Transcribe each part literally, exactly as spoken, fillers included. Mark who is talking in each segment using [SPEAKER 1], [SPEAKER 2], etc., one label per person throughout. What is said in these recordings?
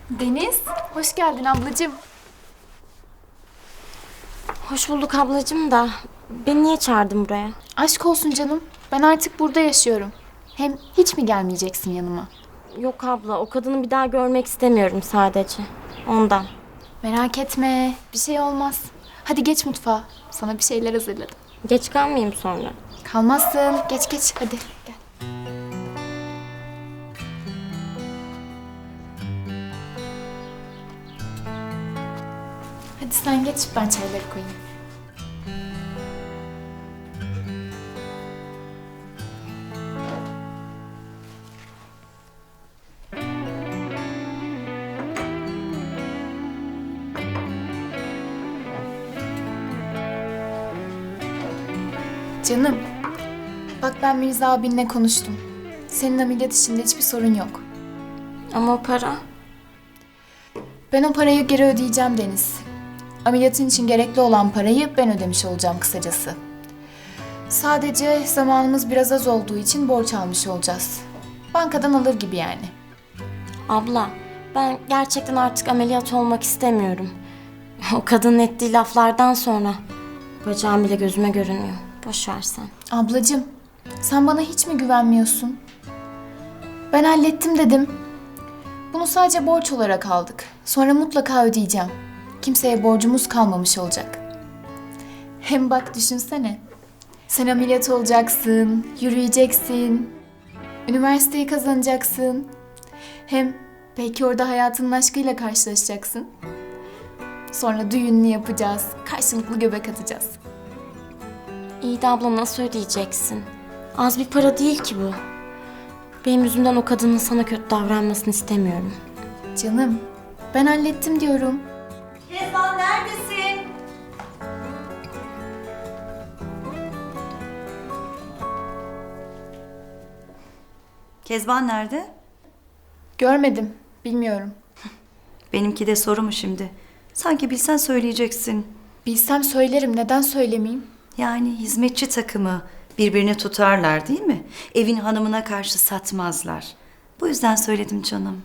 [SPEAKER 1] Deniz, hoş geldin ablacığım.
[SPEAKER 2] Hoş bulduk ablacığım da beni niye çağırdın buraya?
[SPEAKER 1] Aşk olsun canım. Ben artık burada yaşıyorum. Hem hiç mi gelmeyeceksin yanıma?
[SPEAKER 2] Yok abla, o kadını bir daha görmek istemiyorum sadece. Ondan.
[SPEAKER 1] Merak etme, bir şey olmaz. Hadi geç mutfağa. Sana bir şeyler hazırladım.
[SPEAKER 2] Geç kalmayayım sonra.
[SPEAKER 1] Kalmazsın. Geç geç hadi gel. Hadi sen geç, ben çayları koyayım. Canım, bak ben Mirza abinle konuştum. Senin ameliyat işinde hiçbir sorun yok.
[SPEAKER 2] Ama o para...
[SPEAKER 1] Ben o parayı geri ödeyeceğim Deniz. Ameliyatın için gerekli olan parayı ben ödemiş olacağım kısacası. Sadece zamanımız biraz az olduğu için borç almış olacağız. Bankadan alır gibi yani.
[SPEAKER 2] Abla, ben gerçekten artık ameliyat olmak istemiyorum. O kadının ettiği laflardan sonra bacağım bile gözüme görünüyor. Boş ver sen.
[SPEAKER 1] Ablacığım, sen bana hiç mi güvenmiyorsun? Ben hallettim dedim. Bunu sadece borç olarak aldık. Sonra mutlaka ödeyeceğim. Kimseye borcumuz kalmamış olacak. Hem bak düşünsene. Sen ameliyat olacaksın, yürüyeceksin. Üniversiteyi kazanacaksın. Hem belki orada hayatının aşkıyla karşılaşacaksın. Sonra düğününü yapacağız, karşılıklı göbek atacağız.
[SPEAKER 2] İyi de abla nasıl ödeyeceksin? Az bir para değil ki bu. Benim yüzümden o kadının sana kötü davranmasını istemiyorum.
[SPEAKER 1] Canım, ben hallettim diyorum.
[SPEAKER 3] Kezban neredesin? Kezban nerede?
[SPEAKER 1] Görmedim, bilmiyorum.
[SPEAKER 3] Benimki de soru mu şimdi? Sanki bilsen söyleyeceksin.
[SPEAKER 1] Bilsem söylerim, neden söylemeyeyim?
[SPEAKER 3] Yani hizmetçi takımı birbirini tutarlar değil mi? Evin hanımına karşı satmazlar. Bu yüzden söyledim canım.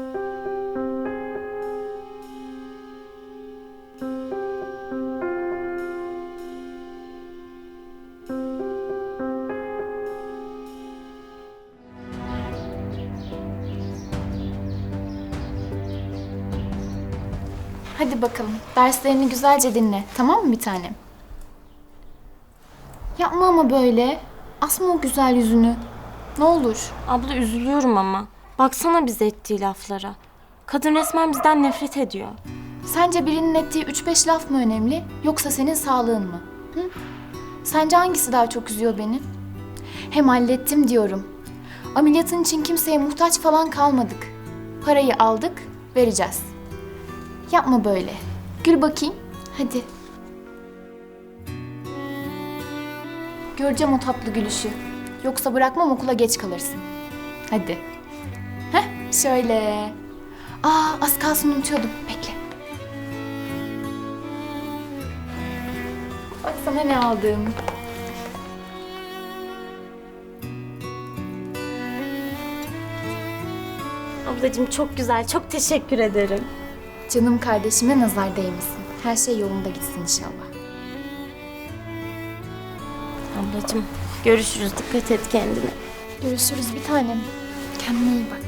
[SPEAKER 1] Hadi bakalım, derslerini güzelce dinle, tamam mı bir tanem? Yapma ama böyle. Asma o güzel yüzünü. Ne olur.
[SPEAKER 2] Abla üzülüyorum ama. Baksana bize ettiği laflara. Kadın resmen bizden nefret ediyor.
[SPEAKER 1] Sence birinin ettiği üç beş laf mı önemli, yoksa senin sağlığın mı? Hı? Sence hangisi daha çok üzüyor beni? Hem hallettim diyorum. Ameliyatın için kimseye muhtaç falan kalmadık. Parayı aldık, vereceğiz. Yapma böyle. Gül bakayım. Hadi. Göreceğim o tatlı gülüşü. Yoksa bırakmam, okula geç kalırsın. Hadi. Heh, şöyle. Aa, az kalsın unutuyordum. Bekle. Bak sana ne aldım.
[SPEAKER 2] Ablacığım çok güzel, çok teşekkür ederim.
[SPEAKER 1] Canım kardeşime nazar değmesin. Her şey yolunda gitsin inşallah.
[SPEAKER 2] Ablacığım görüşürüz, dikkat et kendine.
[SPEAKER 1] Görüşürüz bir tanem. Kendine iyi bak.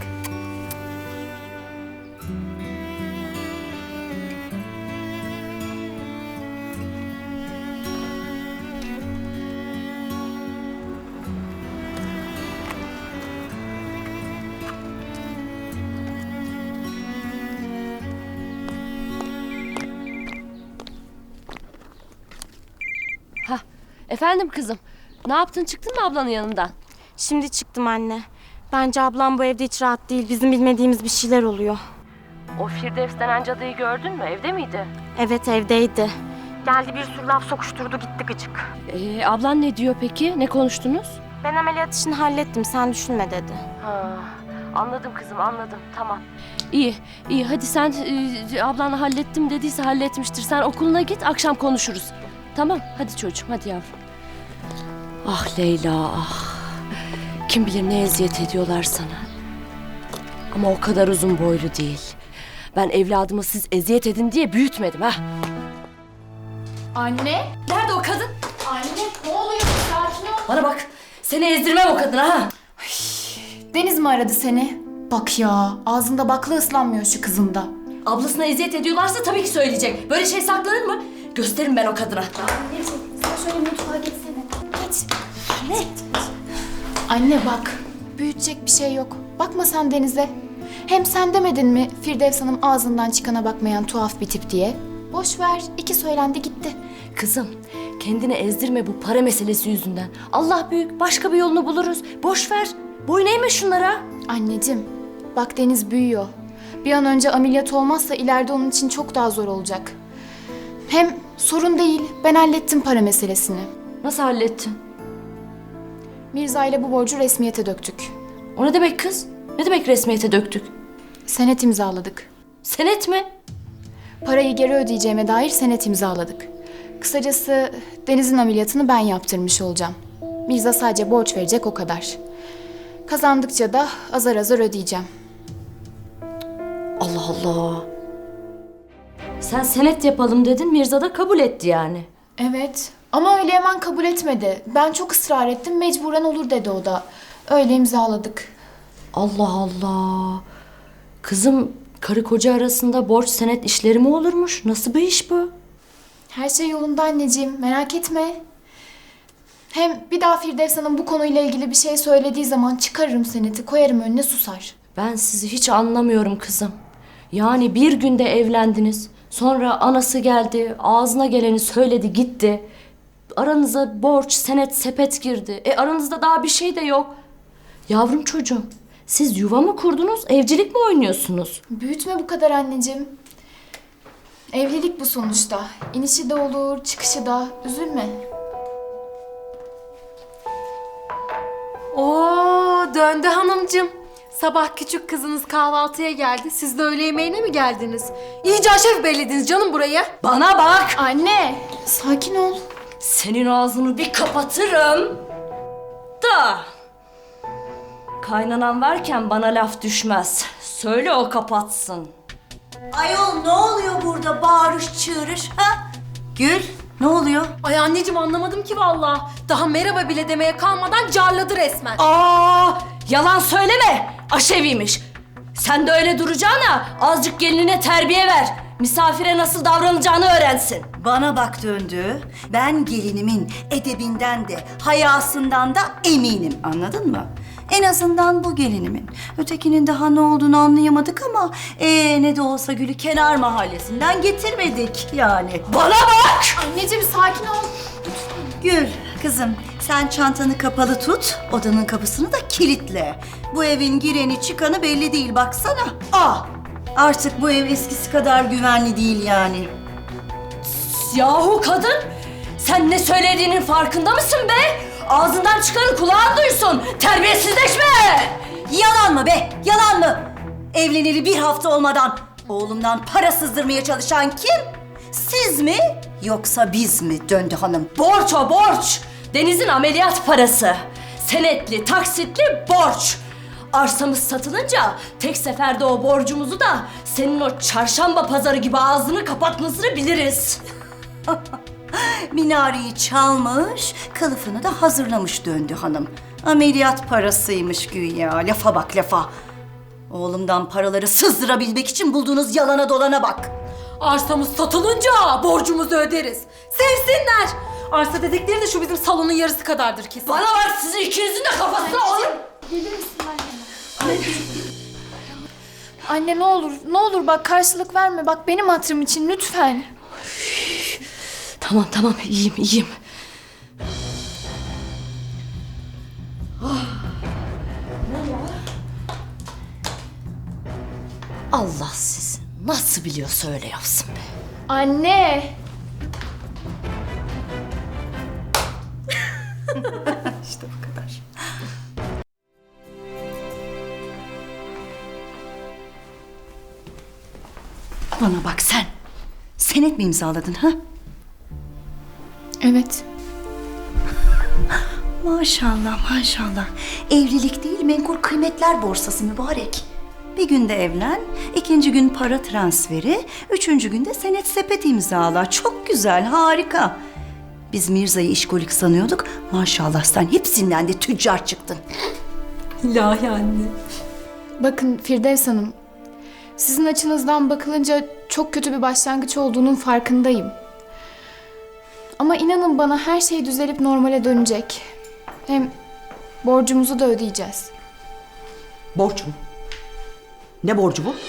[SPEAKER 4] Hah, efendim kızım. Ne yaptın, çıktın mı ablanın yanından?
[SPEAKER 2] Şimdi çıktım anne. Bence ablam bu evde hiç rahat değil. Bizim bilmediğimiz bir şeyler oluyor.
[SPEAKER 4] O Firdevs denen cadıyı gördün mü? Evde miydi?
[SPEAKER 2] Evet evdeydi. Geldi bir sürü laf sokuşturdu gitti gıcık.
[SPEAKER 4] Ee, ablan ne diyor peki? Ne konuştunuz?
[SPEAKER 2] Ben ameliyat işini hallettim sen düşünme dedi.
[SPEAKER 4] Ha, anladım kızım, anladım. Tamam. İyi, iyi. Hadi sen e, ablanla hallettim dediyse halletmiştir. Sen okuluna git, akşam konuşuruz. Tamam, hadi çocuğum, hadi yavrum. Ah Leyla, ah. Kim bilir ne eziyet ediyorlar sana. Ama o kadar uzun boylu değil. Ben evladımı siz eziyet edin diye büyütmedim ha.
[SPEAKER 1] Anne?
[SPEAKER 4] Nerede o kadın?
[SPEAKER 1] Anne ne oluyor? Sakin ol.
[SPEAKER 4] Bana bak, seni ezdirmem o kadına ha.
[SPEAKER 1] Deniz mi aradı seni? Bak ya, ağzında bakla ıslanmıyor şu kızın da.
[SPEAKER 4] Ablasına eziyet ediyorlarsa tabii ki söyleyecek. Böyle şey saklanır mı? Gösteririm ben o kadına.
[SPEAKER 1] Anneciğim, sen şöyle mutfağa geçsene. Geç. Ne? Anne bak, büyütecek bir şey yok. Bakma sen Deniz'e. Hem sen demedin mi Firdevs Hanım ağzından çıkana bakmayan tuhaf bir tip diye? Boş ver, iki söylendi gitti.
[SPEAKER 4] Kızım, kendini ezdirme bu para meselesi yüzünden. Allah büyük, başka bir yolunu buluruz. Boş ver, boyun eğme şunlara.
[SPEAKER 1] Anneciğim, bak Deniz büyüyor. Bir an önce ameliyat olmazsa ileride onun için çok daha zor olacak. Hem sorun değil, ben hallettim para meselesini.
[SPEAKER 4] Nasıl hallettin?
[SPEAKER 1] Mirza ile bu borcu resmiyete döktük.
[SPEAKER 4] O ne demek kız? Ne demek resmiyete döktük?
[SPEAKER 1] Senet imzaladık.
[SPEAKER 4] Senet mi?
[SPEAKER 1] Parayı geri ödeyeceğime dair senet imzaladık. Kısacası Deniz'in ameliyatını ben yaptırmış olacağım. Mirza sadece borç verecek o kadar. Kazandıkça da azar azar ödeyeceğim.
[SPEAKER 4] Allah Allah. Sen senet yapalım dedin, Mirza da kabul etti yani.
[SPEAKER 1] Evet ama öyle hemen kabul etmedi. Ben çok ısrar ettim, mecburen olur dedi o da. Öyle imzaladık.
[SPEAKER 4] Allah Allah. Kızım, karı koca arasında borç senet işleri mi olurmuş? Nasıl bir iş bu?
[SPEAKER 1] Her şey yolunda anneciğim, merak etme. Hem bir daha Firdevs Hanım bu konuyla ilgili bir şey söylediği zaman çıkarırım seneti, koyarım önüne susar.
[SPEAKER 4] Ben sizi hiç anlamıyorum kızım. Yani bir günde evlendiniz. Sonra anası geldi, ağzına geleni söyledi gitti. Aranıza borç, senet, sepet girdi. E aranızda daha bir şey de yok. Yavrum çocuğum, siz yuva mı kurdunuz, evcilik mi oynuyorsunuz?
[SPEAKER 1] Büyütme bu kadar anneciğim. Evlilik bu sonuçta. İnişi de olur, çıkışı da. Üzülme.
[SPEAKER 5] Oo, döndü hanımcığım. Sabah küçük kızınız kahvaltıya geldi. Siz de öğle yemeğine mi geldiniz? İyice aşef bellediniz canım buraya.
[SPEAKER 4] Bana bak!
[SPEAKER 1] Anne, sakin ol.
[SPEAKER 4] Senin ağzını bir kapatırım. Da. Kaynanan varken bana laf düşmez. Söyle o kapatsın.
[SPEAKER 3] Ayol ne oluyor burada bağırış çığırış ha? Gül ne oluyor?
[SPEAKER 5] Ay anneciğim anlamadım ki vallahi. Daha merhaba bile demeye kalmadan carladı resmen.
[SPEAKER 4] Aa, yalan söyleme. Aşeviymiş. Sen de öyle duracağına azıcık gelinine terbiye ver. Misafire nasıl davranacağını öğrensin.
[SPEAKER 3] Bana bak döndü. Ben gelinimin edebinden de hayasından da eminim, anladın mı? En azından bu gelinimin. Ötekinin daha ne olduğunu anlayamadık ama ee, ne de olsa Gül'ü kenar mahallesinden getirmedik yani.
[SPEAKER 4] Bana bak!
[SPEAKER 1] Anneciğim sakin ol.
[SPEAKER 3] Gül kızım sen çantanı kapalı tut, odanın kapısını da kilitle. Bu evin gireni çıkanı belli değil baksana. Aa, artık bu ev eskisi kadar güvenli değil yani.
[SPEAKER 4] Yahu kadın! Sen ne söylediğinin farkında mısın be? Ağzından çıkanı kulağın duysun. Terbiyesizleşme!
[SPEAKER 3] Yalan mı be? Yalan mı? Evleneli bir hafta olmadan oğlumdan para sızdırmaya çalışan kim? Siz mi yoksa biz mi Döndü Hanım?
[SPEAKER 4] Borç o borç. Deniz'in ameliyat parası. Senetli, taksitli borç. Arsamız satılınca tek seferde o borcumuzu da senin o çarşamba pazarı gibi ağzını kapatmasını biliriz.
[SPEAKER 3] Minareyi çalmış, kılıfını da hazırlamış Döndü Hanım. Ameliyat parasıymış güya. Lafa bak lafa. Oğlumdan paraları sızdırabilmek için bulduğunuz yalana dolana bak.
[SPEAKER 5] Arsamız satılınca borcumuzu öderiz. Sevsinler. Arsa dedikleri de şu bizim salonun yarısı kadardır kesin.
[SPEAKER 4] Bana bak, sizin ikinizin de kafasına alın.
[SPEAKER 1] Gelir misin anne? Anne ne olur, ne olur bak karşılık verme. Bak benim hatırım için lütfen.
[SPEAKER 4] Tamam tamam, iyiyim iyiyim. Allah sizi nasıl biliyorsa öyle yapsın be.
[SPEAKER 1] Anne.
[SPEAKER 3] İşte bu kadar. Bana bak sen. Senet mi imzaladın ha?
[SPEAKER 1] Evet.
[SPEAKER 3] Maşallah maşallah. Evlilik değil menkul kıymetler borsası mübarek. Bir günde evlen, ikinci gün para transferi, üçüncü günde senet sepet imzala. Çok güzel, harika. Biz Mirza'yı işkolik sanıyorduk. Maşallah sen hepsinden de tüccar çıktın.
[SPEAKER 5] İlahi anne.
[SPEAKER 1] Bakın Firdevs Hanım, sizin açınızdan bakılınca çok kötü bir başlangıç olduğunun farkındayım. Ama inanın bana her şey düzelip normale dönecek. Hem borcumuzu da ödeyeceğiz.
[SPEAKER 6] Borç mu? Ne borcu bu?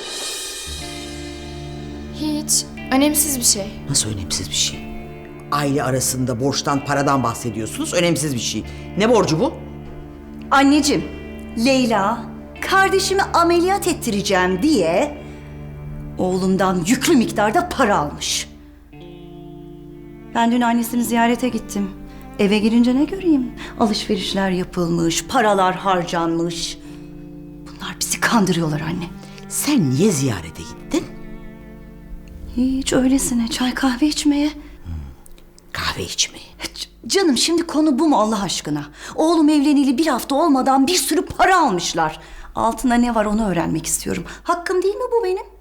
[SPEAKER 1] Hiç, önemsiz bir şey.
[SPEAKER 6] Nasıl önemsiz bir şey? Aile arasında borçtan, paradan bahsediyorsunuz. Önemsiz bir şey. Ne borcu bu?
[SPEAKER 3] Anneciğim, Leyla kardeşimi ameliyat ettireceğim diye oğlumdan yüklü miktarda para almış. Ben dün annesini ziyarete gittim. Eve girince ne göreyim? Alışverişler yapılmış, paralar harcanmış. Bunlar bizi kandırıyorlar anne.
[SPEAKER 6] Sen niye ziyarete gittin?
[SPEAKER 3] Hiç öylesine çay kahve içmeye.
[SPEAKER 6] Kahve içmeye.
[SPEAKER 3] C- Canım şimdi konu bu mu Allah aşkına? Oğlum evleneli bir hafta olmadan bir sürü para almışlar. Altında ne var onu öğrenmek istiyorum. Hakkım değil mi bu benim?